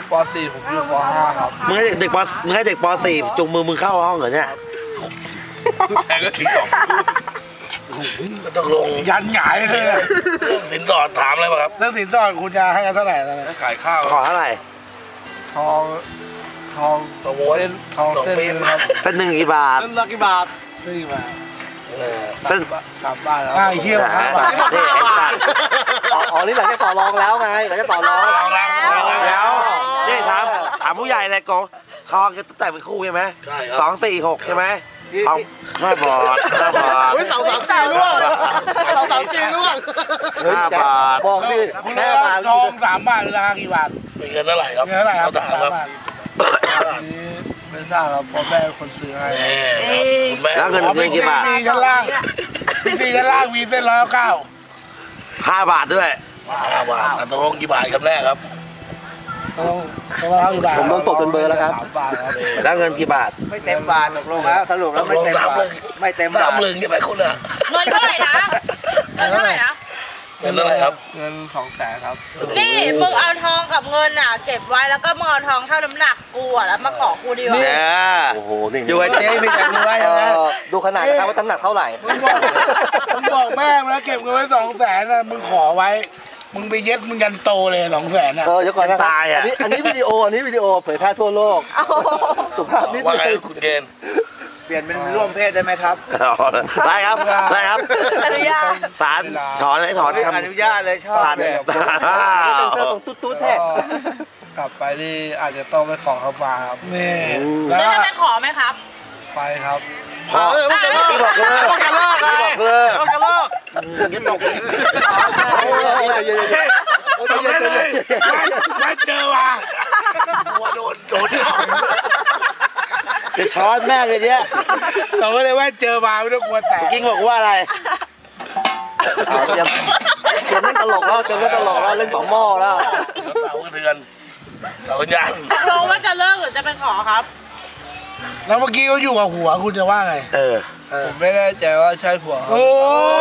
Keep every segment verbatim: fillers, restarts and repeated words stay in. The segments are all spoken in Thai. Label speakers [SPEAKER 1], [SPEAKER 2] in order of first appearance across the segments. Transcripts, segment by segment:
[SPEAKER 1] ป.สี่ ผมอยู่ป.ห้า ครับ
[SPEAKER 2] มึงให้เด็กป.มึงให้เด็กป.สี่ จุงมือมึงเข้าห้องเหรอเนี่ย
[SPEAKER 3] แทงก็ทิ้งสองต้องลง
[SPEAKER 1] ยันหงายเลยเ
[SPEAKER 3] รื่องสินสอดถามอะไรป่ะครับ
[SPEAKER 1] เรื่องสินสอดคุณจะให้กันเท่าไหร่
[SPEAKER 3] ถ้าขายข้าว
[SPEAKER 2] ขอเท่าไหร่
[SPEAKER 1] ทองทอง
[SPEAKER 3] ทองม้วน
[SPEAKER 1] ทองเส้นนึงครับ
[SPEAKER 2] เส้นหนึ่งกี่บาท
[SPEAKER 1] เส้นละกี่บาทเส้นกี่บาท
[SPEAKER 2] เส้น
[SPEAKER 1] กลับบ้านแล้วไอ้เหี้ยครับ
[SPEAKER 4] อ๋อนี่หลังจากต่อรองแล้วไงหลังจากต่อรอง
[SPEAKER 2] แล้วนี่ถามถามผู้ใหญ่เลยโกทองจะแต่เป็นคู่ใช่ไหม
[SPEAKER 3] ใช่ครับ
[SPEAKER 2] สองสี่หกใช่ไหมทองห้าบาทห้าบาท
[SPEAKER 4] เสาสามจีร่วงเสาสามจีร่วง
[SPEAKER 2] ห้าบาท
[SPEAKER 4] บอกดิ
[SPEAKER 1] แค่บาททองสามบาทราคากี่บาท
[SPEAKER 3] เป็นเงินเท่าไหร่ครับ
[SPEAKER 1] เงินเท่าไหร่ครับสามบาทไม่ทราบครับพ่อแม่คนซื้อให้
[SPEAKER 2] แล้วเงินเงินกี่บาท
[SPEAKER 1] มีชั้นล่างพี่ตีชั้นล่างมีเส้นร้อยเก้า
[SPEAKER 2] ห้าบาทด้วย
[SPEAKER 3] ห้าบาทตกลงกี่บาทกันแน่ครับ
[SPEAKER 4] ผมโดนตกจนเบอร์แล้วครับ
[SPEAKER 2] แล้วเงินกี่บาท
[SPEAKER 4] ไม่เต็มบาทตกลงแล้วสรุปแล้วไม่เต็มบาทไม่เต็มบาท
[SPEAKER 3] สามหมื่นกี่ใบคุณอะ
[SPEAKER 5] เงินเท่าไหร่นะเงินเท่าไหร่นะ
[SPEAKER 3] เงินเท่าไหร่ครับ
[SPEAKER 1] เงินสองแสนครับ
[SPEAKER 5] นี่มึงเอาทองกับเงินอ่ะเก็บไว้แล้วก็มึงเอาทองเท่าน้ำหนักกูอ่ะแล้วมาขอกูดีกว่า
[SPEAKER 2] เนี่ย
[SPEAKER 4] โอ้โหนี่
[SPEAKER 2] อยู่ไอ้เจ๊มีแต่รวยนะ
[SPEAKER 4] ดูขนาดนะครับว่าน้ำหนักเท่าไหร่
[SPEAKER 1] มึงบอกมึงบอกแม่แล้วเก็บเงินไว้สองแสนนะมึงขอไว้มึงไปเย็ดมึงยันโตเลยสองแสนอ่ะ
[SPEAKER 4] เออเดี๋ยวก่อนนะตายอ่ะอันนี้วิดีโออันนี้วิดีโอเผยแพร่ทั่วโลกสุภาพนิด
[SPEAKER 3] นึงว่าไงคุณเกณฑ์
[SPEAKER 4] เปลี่ยนเป็นร่วมเพศได้ไหมครับ
[SPEAKER 2] ได้ครับได้ครับ
[SPEAKER 5] อนุญาต
[SPEAKER 2] ศาลถอนให้ถอน
[SPEAKER 4] อนุญาตเลยชอบเลยเป็นเสื้อตรงตุ๊ดตุ๊ดแท้
[SPEAKER 1] กลับไปนี่อาจจะต้องไปขอเขามาครับ
[SPEAKER 5] นี่แล้วจะไปขอไหมครับ
[SPEAKER 1] ไปครับ
[SPEAKER 2] พอไม่จะเลิกบอกเลิกบอกเลิกบอกเลิกบอกเลิกยังตก
[SPEAKER 3] จำได้เลยไม่เจอว่ะหัวโดนโดน
[SPEAKER 2] จะช้อนแม่เลยเนี่ย
[SPEAKER 1] เราไม่ได้ว่าเจอมาไม่ต้องกลัวแตก
[SPEAKER 2] กิ้งบอกว่าอะไร
[SPEAKER 4] เดี๋ยวเล่นตลกแล้วเล่นตลกแล้วเล่นสองหม้อแล้ว
[SPEAKER 3] เสากระเทือนเสายัน
[SPEAKER 5] ลงว่าจะเลิกหรือจะไปขอครับ
[SPEAKER 1] แล้วเมื่อกี้เขาอยู่กับหัวคุณจะว่าไง
[SPEAKER 2] เออ
[SPEAKER 1] ผมไม่แน่ใจว่าใช่ผัวโอ้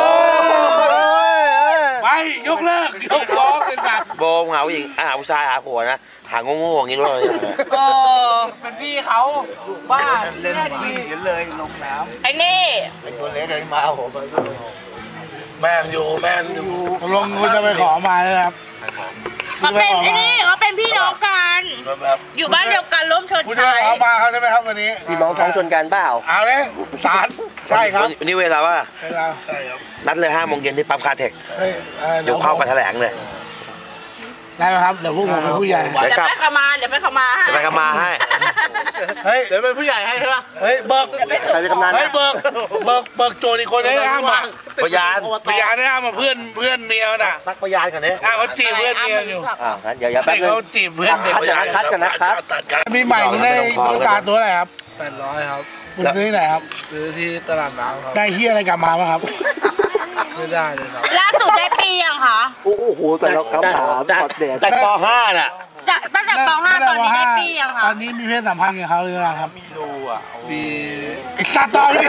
[SPEAKER 1] ไปยกเลิกยกฟ้องเป็นแบบ
[SPEAKER 2] โบมหาผู้หญิงหาผู้ชายหาผัวนะหาโง่ๆอย่างนี้ด้วย
[SPEAKER 5] เออเป็นพี่เขาบ้า
[SPEAKER 4] เล่นวิ่งเห็นเลยลงน้
[SPEAKER 5] ำไอ้นี่
[SPEAKER 4] ไอ้ตัวเล็กไอ้มาผม
[SPEAKER 3] แม่อยู่แม่อยู่
[SPEAKER 1] ลงคุณจะไปขอมาเลยครับ
[SPEAKER 5] เขาเป็นไอ้นี่เขาเป็นพี่น้องกันอยู่บ้านเดียวกันร่วมชน
[SPEAKER 1] คุณจะไปขอมาเขาใช่ไหมครับวันนี้
[SPEAKER 4] พี่น้องท้องชนกันเปล่า
[SPEAKER 1] เอาเลยศาลใช่ครับ
[SPEAKER 2] วันนี้เวลาว่านัดเลยห้าโมงเย็นที่ปั๊มคาเทคเดี๋ยวเข้ามาแถลงเลย
[SPEAKER 1] ได้ไหมครับเดี๋ยวพวกผมเป็นผู้ใหญ่
[SPEAKER 5] เดี๋ยวไปขมาเดี๋ยวไปขมาให้
[SPEAKER 2] ไปขมาให้
[SPEAKER 1] เฮ้ยเดี๋ยวเป็นผู้ใหญ่ให้ใช่ปะเฮ้ยเบิก
[SPEAKER 4] ใครเป็นกำนัน
[SPEAKER 1] เฮ้ยเบิกเบิกเบิกโจรอีกคนนี้ห้ามมา
[SPEAKER 2] พยาน
[SPEAKER 1] พยานนี่ห้ามมาเพื่อนเพื่อนเมียน่ะ
[SPEAKER 2] ซักพยานกันเนี่ย
[SPEAKER 1] อ้าวเขาจีบเพื่อนเมียอยู่
[SPEAKER 4] อ่าอย่าอย่าแป๊บนึง
[SPEAKER 1] เขาจีบเพื่อนเด็ก
[SPEAKER 4] คัดกันนะครับ
[SPEAKER 1] มีใหม่คุณได้ตัวตาตัวอะไรครับแปดร้อยครับคุณซื้อที่ไหนครับซื้อที่ตลาดน้ำครับได้เฮียอะไรกลับมาบ้างครับไม่ได้เลยครับ
[SPEAKER 5] ล่าสุดได้ปียังคะ
[SPEAKER 4] โอ้โหแต่เราคำถาม
[SPEAKER 2] จากจากป.ห้าน่ะ
[SPEAKER 5] จากตั้งแต่ป.ห้าตอนนี้ได้ปียังคะ
[SPEAKER 1] ตอนนี้มีเพศสัมพันธ์กับเขาหรือยังครับ
[SPEAKER 4] มีดูอ่ะ
[SPEAKER 1] มีอีกสัตว์ต่อไป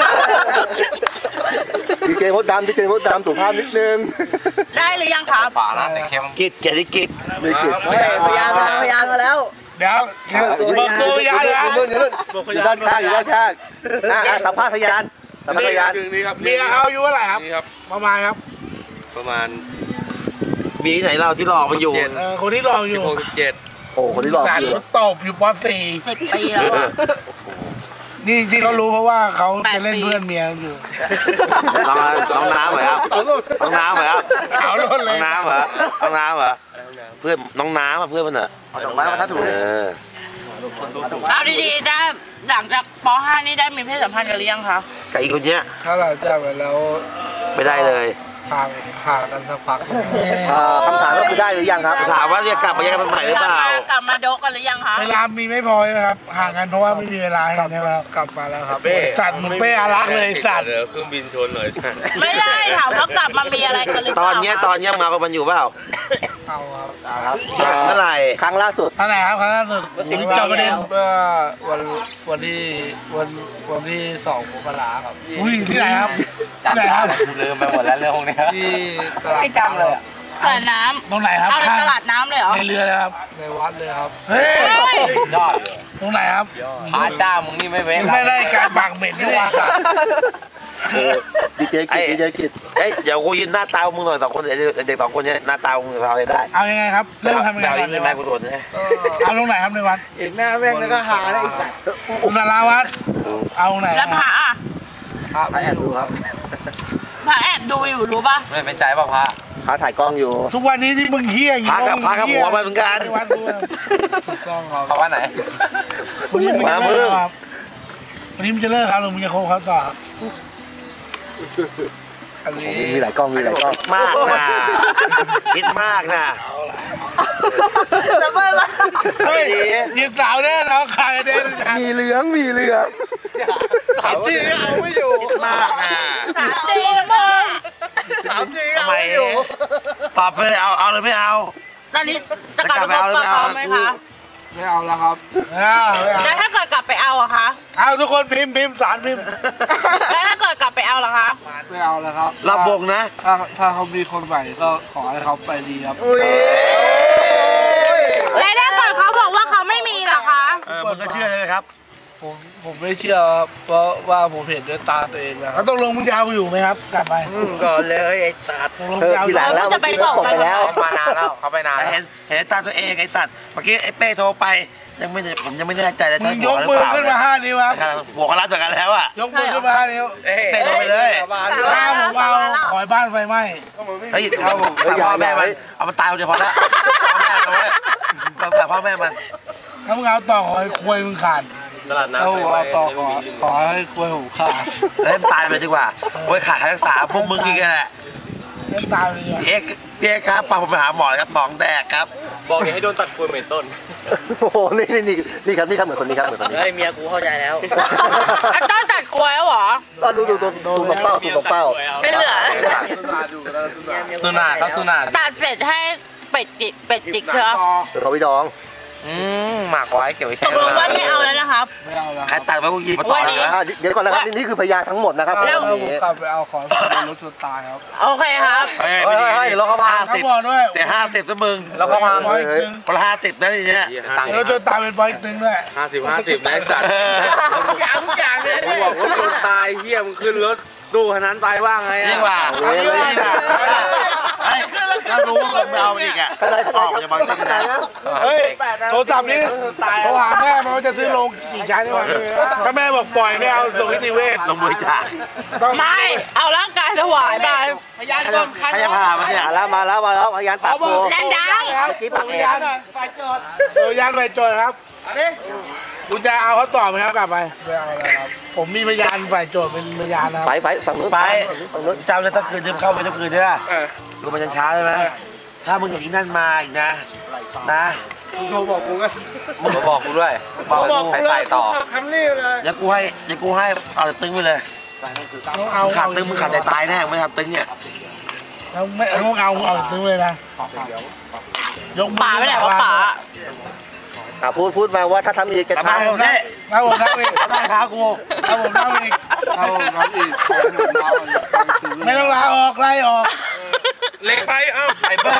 [SPEAKER 4] ดีเจมดดำดีเจมดดำสุภาพนิดนึง
[SPEAKER 5] ได้หรือยังคะ
[SPEAKER 2] ฝาละแต่เข้มกิดเกียรติกิจ
[SPEAKER 4] ไม่กิดพยานมาพยานมาแล้ว
[SPEAKER 1] เดี๋ยวบอกตัวพยานนะ
[SPEAKER 4] อยู่ด้านข้างอยู่ด้านข้างสัมภาษณ์พยานสัมภาษณ์พยาน
[SPEAKER 1] เมียเขาอายุเท่าไหร่ครับประมาณครับ
[SPEAKER 2] ประมาณมีที่ไหนเราที่รอมันอยู่
[SPEAKER 1] คนที่รออยู่
[SPEAKER 2] หกสิบเจ็ด
[SPEAKER 4] โอ้คนที่รอ
[SPEAKER 1] อยู่ตบอยู่ป.สี่
[SPEAKER 5] สิบปีแล้ว
[SPEAKER 1] นี่ที่เขารู้เพราะว่าเขาจะเล่นเพื่อนเมียอยู่
[SPEAKER 2] น้องน้องน้ำเหรอครับน้องน้ำเหรอครับ
[SPEAKER 1] ขาวล้นเลย
[SPEAKER 2] น้องน้ำเหรอน้องน้ำเหรอเพื่อนน้องน้ำอ่ะเพื่อนมันเหรอ
[SPEAKER 4] ดอกไม้มาทัดถูก
[SPEAKER 5] เอาดีๆได้หลังจากป.ห้านี่ได้มีเพศสัมพันธ์กันหรือยังคะ
[SPEAKER 2] กับอีกคนเนี้ย
[SPEAKER 1] ถ้าเราจะไปแล้ว
[SPEAKER 2] ไม่ได้เลย
[SPEAKER 1] ห่างห่างกันสักพัก
[SPEAKER 4] คำถามก็คือได้หรือยังครับ
[SPEAKER 2] ถามว่าจะกลับมายังกันใหม่หรือเปล่าก
[SPEAKER 5] ลับมาโดกันหรือยังคะ
[SPEAKER 1] เวลามีไม่พอใช่ไหมครับห่างกันเพราะว่าไม่มีเวลาใช่ไหมครับกลับมาแล้วครับสัตว์มึงเป้อารักเลยสัตว์
[SPEAKER 3] เดี๋ยวเครื่องบินชนหน่อย
[SPEAKER 5] ไม่ได้ถามว่ากลับมามีอะไรกันหรือเปล่า
[SPEAKER 2] ตอนนี้ตอนนี้มากับมันอยู่เปล่า
[SPEAKER 1] เอาครับ
[SPEAKER 2] เมื่อไหร่
[SPEAKER 4] ครั้งล่าสุด
[SPEAKER 1] เมื่อไหร่ครับครั้งล่าสุดจบประเด็นเมื่อวันวันที่วันวันที่สองมกราครับอุ้ยที่ไหนครับที่ไหนครับ
[SPEAKER 2] ลืมไปหมดแล้วเรื่องพวกนี้
[SPEAKER 1] ที่
[SPEAKER 4] ไม่จำเลย
[SPEAKER 5] ใส่น้
[SPEAKER 1] ตรงไหนครับ
[SPEAKER 5] ำเอาในตลาดน้ำเลยเหรอ
[SPEAKER 1] ในเรือเลยครับ
[SPEAKER 3] ในวัดเลยครับ
[SPEAKER 1] เฮ้ย
[SPEAKER 4] ยอด
[SPEAKER 1] ตรงไหนครับ
[SPEAKER 4] พระเจ้ามึงนี่ไม่เว้น
[SPEAKER 1] ไม่ได้การบังเบ็ดนี่ว่าสัตว์
[SPEAKER 4] ดีเจกิจดีเจกิจ
[SPEAKER 2] เอ้ยเดี๋ยวกูยืนหน้าตามึงหน่อยสองคนเด็กเด็กสองคนเนี้ยหน้าตามึงพอได้
[SPEAKER 1] เอายังไงครับเริ่มทำยังไง
[SPEAKER 2] เอา
[SPEAKER 1] ก่
[SPEAKER 2] อ
[SPEAKER 1] อน
[SPEAKER 2] ย่างนี้ไหมกูโดนนะ
[SPEAKER 1] เอาตรงไหนครับในวัด
[SPEAKER 3] เห็นหน้าแม่งแล้วก็หาได้อีกสัตว์
[SPEAKER 1] อุณาราวัดเอาตรงไหน
[SPEAKER 5] แล้วพระอ่ะ
[SPEAKER 3] พระแอบดูครับ
[SPEAKER 5] พระแอบดูอยู่รู้ป่ะ
[SPEAKER 4] ไม่เป็นใจป่ะพระพระถ่ายกล้องอยู่
[SPEAKER 1] ทุกวันนี้ที่มึงเฮี้ยอย่าง
[SPEAKER 2] พากับพากับหัวมาเหมือนกัน
[SPEAKER 1] ในวัดด้วย
[SPEAKER 3] ถูกต้องครับ
[SPEAKER 4] พระว่าไหน
[SPEAKER 1] วันนี้มึงจะเลิกครับวันนี้มึงจะเลิกครับหรือมึงจะคบเขาต่อครับอันนี้
[SPEAKER 4] มีหลายกล้องมีหลายกล้อง
[SPEAKER 2] มากนะคิดมากนะ
[SPEAKER 5] จะไม่ละ
[SPEAKER 1] เฮ้ยยิงสาวแน่น้องขายแน่
[SPEAKER 4] มีเหลืองมีเหลือง
[SPEAKER 3] ถามจริงเอาไม่อยู่
[SPEAKER 2] คิดมากนะ
[SPEAKER 5] ถามจริงมาก
[SPEAKER 3] ถามจริง
[SPEAKER 2] ทำ
[SPEAKER 3] เอา
[SPEAKER 2] ไม
[SPEAKER 3] ไม่อยู่
[SPEAKER 2] ตอบไปเลยเอาเอาเลยไม่เอา
[SPEAKER 5] ตอนนี้จะกลับไปคบกับเขาไหมคะ
[SPEAKER 3] ไม่เอาแล้วครับ
[SPEAKER 1] เอาเอา
[SPEAKER 5] แล้วถ้าเกิดกลับไปเอาอะคะ
[SPEAKER 1] เอาทุกคนพิมพ์พิมพ์สารพิมพ์
[SPEAKER 5] แล้วถ้าเกิดกลับไปเอาล่ะคะ
[SPEAKER 3] ไม่เอาแล้วครับ
[SPEAKER 2] รับบงนะ
[SPEAKER 3] ถ้าถ้าเขามีคนใหม่ก็ขอให้เขาไปดีครับ
[SPEAKER 5] แล้วถ้าเกิดเขาบอกว่าเขาไม่มีล่ะคะ
[SPEAKER 2] เออมึงก็เชื่อใช่ไหมครับ
[SPEAKER 3] ผมผมไม่เชื่อครับเพราะว่าผมเห็นด้วยตาตัวเองนะค
[SPEAKER 1] เขา
[SPEAKER 3] รับ
[SPEAKER 1] ต้องลงมึงจะเอาอยู่ไหมครับ กลับไป
[SPEAKER 2] ก่อนเลยไอ้ตัด
[SPEAKER 1] ตกลง
[SPEAKER 4] เอ
[SPEAKER 1] มึง
[SPEAKER 4] อ
[SPEAKER 1] จะเอา
[SPEAKER 4] ที
[SPEAKER 1] อยู่
[SPEAKER 4] หลังแล้ว
[SPEAKER 5] จะไปบอก
[SPEAKER 4] ตกไปแล้ว
[SPEAKER 5] กัน
[SPEAKER 4] มานานแล้วเขาไปนาน
[SPEAKER 2] เห็นเห็นตาตัวเองไอ้ตัดเมื่อกี้ไอ้เป้โทรไปยังไม่ได้ผมยังไม่แน่ใจเลย
[SPEAKER 1] มึ
[SPEAKER 2] ใช่
[SPEAKER 1] ง
[SPEAKER 2] บ
[SPEAKER 1] ย
[SPEAKER 2] วก
[SPEAKER 1] ก
[SPEAKER 2] กันหรื
[SPEAKER 1] มื
[SPEAKER 2] อ
[SPEAKER 1] อ
[SPEAKER 2] เปล่า
[SPEAKER 1] ขึ้นมาห้านิ้วครับ
[SPEAKER 2] บวกกันรัดเหมือนกันแล้วอ่ะ
[SPEAKER 1] ยกมือขึ้นมาห้านิ้ว
[SPEAKER 2] เป้โทรไปเลย
[SPEAKER 1] ถ้าผมเอาขอยบ้านไฟไหม้
[SPEAKER 2] เฮ้ยเอาพ่อแม่มันเอามันตายคนเดียวพอละพ่อแม่มันไว้แต่พ่อแม่มัน
[SPEAKER 1] ถ้ามึงเอาต่อขอยควยมึงขาด
[SPEAKER 3] ถ้าผมเอาต่อขอขอให้คุยผมขาด
[SPEAKER 2] เฮ้ยตายไปเลยดีกว่าโอ้ยขาดการรักษาพวกมึงอีกแหละ
[SPEAKER 1] เล่นตายเลยเนี่ย
[SPEAKER 2] เอ็กเอ็กครับพาผมไปหาหมอครับหมองแดกครับ
[SPEAKER 6] บอกอย่าให้โดนตัดคุยเหมือนต้น
[SPEAKER 4] โอ้โหนี่นี่นี่นี่ครับนี่ครับเหมือนคนนี้ครับเหมือนคนนี้
[SPEAKER 6] เฮ้ยเมียกูเข้าใจแล้ว
[SPEAKER 5] อ่ะต้นตัดกล้วยแล้วเหรอ
[SPEAKER 4] ก็ดูดูดูดูตรงเป้าดูตรงเป้า
[SPEAKER 5] ไม่เหลือ
[SPEAKER 4] สุนาครับสุนา
[SPEAKER 5] ตัดเสร็จให้เป็ดจิกเป็ดจิกเถอะ
[SPEAKER 4] เดี๋ยวเขาไปดอง อืมหมักไว้เก็บไว้
[SPEAKER 5] ต
[SPEAKER 4] แช่
[SPEAKER 5] กลงว่าไม่เอาแล้วนะครับ
[SPEAKER 3] ไม่เอาแล้ว
[SPEAKER 2] ใครตัดไว้พวกยีมาต่อเลยนะ
[SPEAKER 4] อ่าเดี๋ยวก่อนนะครับนี่นี่คือพยานทั้งหมดนะครับ
[SPEAKER 3] แล้ว
[SPEAKER 4] วัน
[SPEAKER 3] ผม
[SPEAKER 4] นี้
[SPEAKER 3] กลับไปเอาขอให้ผมโดนรถชนตายครับ
[SPEAKER 5] โอเคครับ
[SPEAKER 2] เฮ้ย
[SPEAKER 4] เฮ้ยเฮ้ยเดี๋ยวเราเข้ามา
[SPEAKER 2] ห้า
[SPEAKER 1] เขา
[SPEAKER 2] สิบ
[SPEAKER 1] บอกด้วย
[SPEAKER 2] แต่ห้าสิบซะมึง
[SPEAKER 4] แล้วก็มา
[SPEAKER 1] บอยตึง
[SPEAKER 2] คนละห้าสิบนะทีเนี้ย
[SPEAKER 1] แล้วจนตายเป็นบอยตึงด้วย
[SPEAKER 6] ห้าสิบห้าสิบนะจัด
[SPEAKER 2] เออ
[SPEAKER 1] อย่างอย่างเลย
[SPEAKER 6] มึงบอกว่าคนตายเฮียมึงขึ้นรถตู้คันนั้นไปว่างไง
[SPEAKER 2] ยิ่งกว่า
[SPEAKER 4] เว้ย
[SPEAKER 2] ยิ่งกว่าไอ้ถ้ารู้ว่ามึงไม่เอาอีกอ่ะออกจากบางทีนะ
[SPEAKER 1] เฮ้ยโทรศัพท์นี้โทรหาแม่มันว่าจะซื้อโรงกี่ชั้นนี่วะถ้าแม่บอกปล่อยไม่เอาส่งนิติเวช
[SPEAKER 2] ลงบริจาค
[SPEAKER 1] ต้อง
[SPEAKER 5] ไม่ เอาร่างกายถวายไป
[SPEAKER 1] พยาน
[SPEAKER 2] ใคร
[SPEAKER 1] ก่
[SPEAKER 2] จะ
[SPEAKER 1] อน
[SPEAKER 2] ใครจะพามาเนี่ย
[SPEAKER 4] มาแล้วมาแล้วมาแล้วพยานปากโก
[SPEAKER 5] แรงดัง
[SPEAKER 1] เมื่อกี้ปากพยานฝ่ายโจทย์พยานฝ่ายโจทย์ครับคุณจะเอาเขาต่อไหมครับกลับไป
[SPEAKER 3] ไม่เอาแล้วครับ
[SPEAKER 1] ผมมีพยานฝ่ายโจทย์เป็นพยานนะค
[SPEAKER 4] ไป
[SPEAKER 1] รับ
[SPEAKER 4] ไปฝั่งนู้น
[SPEAKER 2] ไป
[SPEAKER 4] ฝั่งนู้น
[SPEAKER 2] เจ้าเลยต้องคืนจะเข้าไปต้องคืนใช่ไหมรู้มันยันเช้าใช่ไหมถ้ามึงอย่างนี้นั่นมาอีกนะนะ
[SPEAKER 3] โทรบอกกูก็
[SPEAKER 4] มึงบอกกูด้วย
[SPEAKER 2] บอก
[SPEAKER 1] บอก
[SPEAKER 2] กู
[SPEAKER 1] ไป
[SPEAKER 4] ใส่ต่อ
[SPEAKER 1] คำนี้เลย
[SPEAKER 2] อย่ากูให้อย่ากูให้เอาตึงไปเลย
[SPEAKER 1] ต้องเอา
[SPEAKER 2] มึงขาดตึงมึงขาดใจตายแน่ไม่ทำตึงเนี่ย
[SPEAKER 1] แล้วไม่ต้องเอาเอาตึงเลยนะยกมือ
[SPEAKER 5] ป๋าไปไหนวะป๋า
[SPEAKER 4] อ่ะพูดพูดมาว่าถ้าทำอีกจะ
[SPEAKER 2] กลับมา
[SPEAKER 4] ทำ
[SPEAKER 2] ผมได้
[SPEAKER 1] ถ้าผมทำอีก
[SPEAKER 2] ได้ขากู
[SPEAKER 1] ถ้าผมทำอีก
[SPEAKER 3] เอาน้องอีกขอให้ผมเอาอีก
[SPEAKER 1] ไม่ต้องลาออกไล่ออก
[SPEAKER 6] เล็กไปเอ้า
[SPEAKER 2] ไปเบิ้ล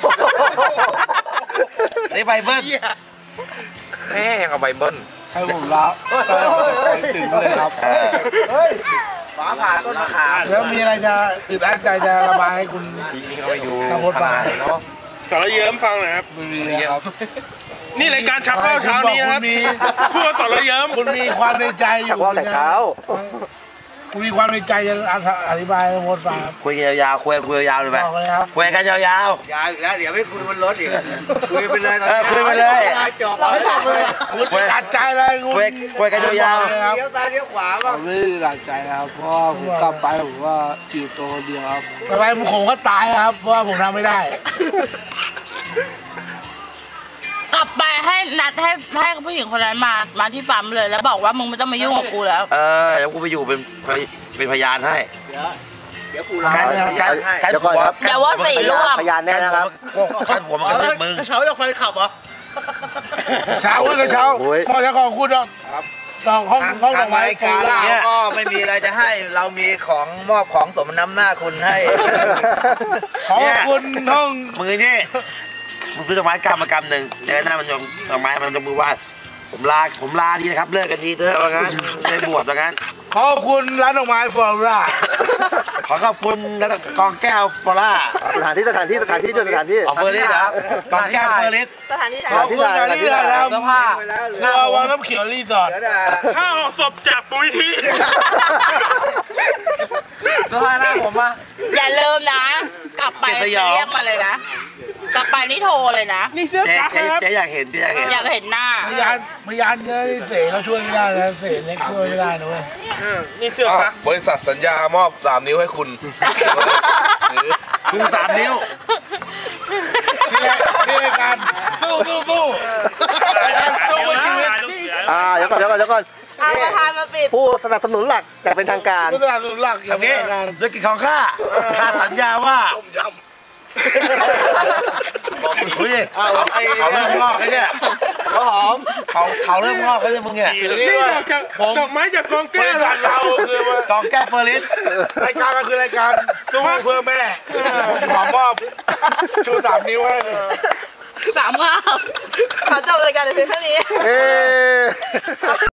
[SPEAKER 2] นี่ไปเบิ้ล
[SPEAKER 4] แม่งเอาใบเบิ้ล
[SPEAKER 3] ให้ผมรับไปไปถึงเลยครับ
[SPEAKER 2] ฝาผ่าต้นมะขาม
[SPEAKER 1] แล้วมีอะไรจะอึดอัดใจจะระบายให้คุณ
[SPEAKER 4] ทิ้งเอาไปอยู่
[SPEAKER 1] นภพฟัง
[SPEAKER 6] สารเยิ้มฟังหน่อยครับ
[SPEAKER 3] ไม่มีนะครับ
[SPEAKER 6] นี่รายการชักเป้าเช้านี้นะครับพูดว่าสารเยิ้ม
[SPEAKER 1] คุณมีความในใจอ
[SPEAKER 4] ชัก
[SPEAKER 1] ยู่
[SPEAKER 4] ว่าวแต่เช้า
[SPEAKER 1] คุณมีความในใจจะอธิบายให้นภพฟังครับ
[SPEAKER 2] คุยยาวๆคุยคุยยาวๆเลยไหม
[SPEAKER 1] บอกเลยครับ
[SPEAKER 2] คุยกันยาว
[SPEAKER 7] ยาวอีกแล้วเดี๋ยวไม่คุยบนรถอีกคุยไปเลยตอน
[SPEAKER 2] ๆเออ
[SPEAKER 7] นี้
[SPEAKER 2] คุยไปเลย
[SPEAKER 7] จบ
[SPEAKER 1] เราไม่จบเลยคุณตัดใจเลยคุณ
[SPEAKER 2] คุยคุยกันยาว
[SPEAKER 1] เลยครับ
[SPEAKER 7] เลี้ยวซ้ายเลี้ยวขวา
[SPEAKER 3] ผ
[SPEAKER 7] บ้าง
[SPEAKER 3] มไม่ได้หลักใจนะครับ เพราะว่าผมกลับไปผมว่าอยู่ตัวคนเดียวครับ
[SPEAKER 1] ต่อไปผมก็ตายครับ เพราะว่าผมทำไม่ได้
[SPEAKER 5] กลับไปให้นัดให้ให้ผู้หญิงคนนั้นมา มาที่ปั๊มเลย แล้วบอกว่ามึงไม่ต้องมายุ่งกับกูแล้ว
[SPEAKER 2] ๆเออเดี๋ยวกูไปอยู่เป็นเป็นพยานให้
[SPEAKER 7] เดี๋ยวกูรอ
[SPEAKER 2] การการการ
[SPEAKER 4] เดี๋ยวก่อนครับ
[SPEAKER 5] เดี๋ยวว่าสี่ร่วม
[SPEAKER 4] พยานแน่นะครับ
[SPEAKER 2] การหัวมันกระทืบมึง
[SPEAKER 1] เช้าจะคอยขับเหรอเช้าก็เช้า
[SPEAKER 4] โอ้ย
[SPEAKER 1] พอจะขอคุณหรอกห้องห้อง
[SPEAKER 7] ทาง
[SPEAKER 1] ห้องด
[SPEAKER 7] ทา
[SPEAKER 1] อง กไม้
[SPEAKER 7] ราย
[SPEAKER 1] ฟู
[SPEAKER 7] การ
[SPEAKER 1] ล่า
[SPEAKER 7] เราก็ไม่มีอะไรจะให้ เรามีของมอบของสมน้ำหน้าคุณให้
[SPEAKER 1] ขอบคุณห้อง
[SPEAKER 2] มือนี่มึงซื้อดอกไม้กำมากำหนึ่งแล้วหน้ามันยงดอกไม้มันจะมือว่าผมลาผมลาทีนะครับเลิกกันทีเถอะว่างั้นไม่บวชว่างั้น
[SPEAKER 1] ขอบคุณร้านดอกไม้ฟูล่า
[SPEAKER 2] ขอขอบคุณแล้วกองแก้วฟอร่า
[SPEAKER 4] สถานที่สถานที่สถานที่ด้วยสถานที่
[SPEAKER 2] ออฟเฟอร์ลิสเหรอกองแก้วเฟอร์ลิส
[SPEAKER 5] สถานที่ไหน
[SPEAKER 1] ขอบคุณร้านที่ถ่ายทำ
[SPEAKER 7] เสื้อผ้าไปแล้วเหลือ
[SPEAKER 1] เรือวังน้ำเขียวรีสอร์ท
[SPEAKER 7] เหลือแต่
[SPEAKER 6] ข้าวศพจากปุ๋ยที
[SPEAKER 4] สภาพหน้าผมอ่ะ
[SPEAKER 5] อย่าลืมนะ กลับไปเรียกมาเลยนะ กลับไปนี่โทรเลยนะ
[SPEAKER 6] นี่เสื้อ
[SPEAKER 2] เจ๊
[SPEAKER 6] กั๊ก
[SPEAKER 2] เจ๊
[SPEAKER 6] นะครับ
[SPEAKER 2] เจ๊อยากเห็นเจ๊อยากเห็น
[SPEAKER 5] อยากเห็นหน้า
[SPEAKER 1] พยานพยานเยอะนี่เสกเขาช่วยไม่ได้นะเสกเล็กช่วยไม่ได้นะเว้ย
[SPEAKER 6] อืมนี่เสื้อกั๊ก
[SPEAKER 3] บริษัทสัญญามอบสามนิ้วให้คุณ
[SPEAKER 2] คุณสามนิ้ว
[SPEAKER 1] นี่ไงนี่ไงการสู้สู้สู้การสู้เพื่อชีวิต
[SPEAKER 4] อ่าเดี๋ยวก่อนเดี๋ยวก่อนเดี๋ยวก่อน
[SPEAKER 5] เอาประธานมาปิด
[SPEAKER 4] ผู้สนับสนุนหลักแต่เป็นทางการ
[SPEAKER 1] ผู้สนับสนุนหลักอย่าง
[SPEAKER 2] โอเค
[SPEAKER 1] เป็นทางการ
[SPEAKER 2] ด้วยกิจของข้าข้าสัญญาว่าเฮ้ยเขาเขาเริ่มงอกแล้วเนี่ย
[SPEAKER 4] เขาหอม
[SPEAKER 2] เขาเขาเริ่มงอกแล้วเนี่ยมึงเนี่ย
[SPEAKER 6] นี่ดอกจากดอกไม้จากกอง
[SPEAKER 1] บ
[SPEAKER 6] แก้
[SPEAKER 1] ริ
[SPEAKER 6] ว
[SPEAKER 1] ษัทเราคือว่าก
[SPEAKER 2] องแก้วเฟอร์ลิส
[SPEAKER 1] รายการก็คือรายการสู้เพื่อแม่ขอมอบชูสามนิ้วให้
[SPEAKER 5] สามงามขอจบรายการในเพียงเท่านี้
[SPEAKER 4] เอ๊ะ